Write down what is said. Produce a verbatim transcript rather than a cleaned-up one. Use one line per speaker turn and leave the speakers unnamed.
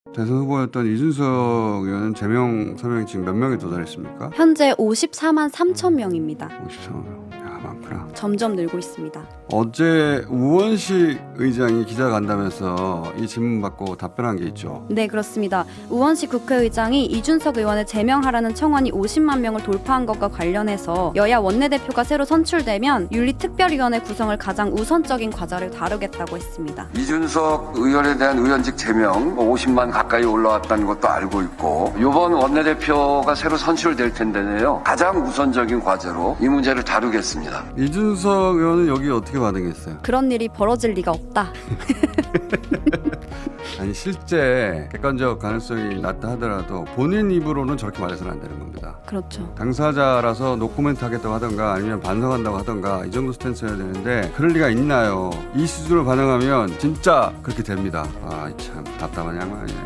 대선 후보였던 이준석 의원은 제명 서명이 지금 몇 명에 도달했습니까?
현재 오십사만 삼천 명입니다.
오십삼 명. 야, 많구나.
점점 늘고 있습니다.
어제 우원식 의장이 기자 간담회에서 이 질문 받고 답변한 게 있죠.
네, 그렇습니다. 우원식 국회의장이 이준석 의원을 제명하라는 청원이 오십만 명을 돌파한 것과 관련해서 여야 원내대표가 새로 선출되면 윤리특별위원회 구성을 가장 우선적인 과제를 다루겠다고 했습니다.
이준석 의원에 대한 의원직 제명 오십만 가까이 올라왔다는 것도 알고 있고 이번 원내대표가 새로 선출될 텐데요. 가장 우선적인 과제로 이 문제를 다루겠습니다.
이준석 의원은 여기 어떻게 반응했어요?
그런 일이 벌어질 리가 없다.
아니 실제 객관적 가능성이 낮다 하더라도 본인 입으로는 저렇게 말해서는 안 되는 겁니다.
그렇죠.
당사자라서 노코멘트 하겠다고 하던가 아니면 반성한다고 하던가 이 정도 스탠스여야 되는데 그럴 리가 있나요? 이 수준으로 반응하면 진짜 그렇게 됩니다. 아 참 답답한 양반이네.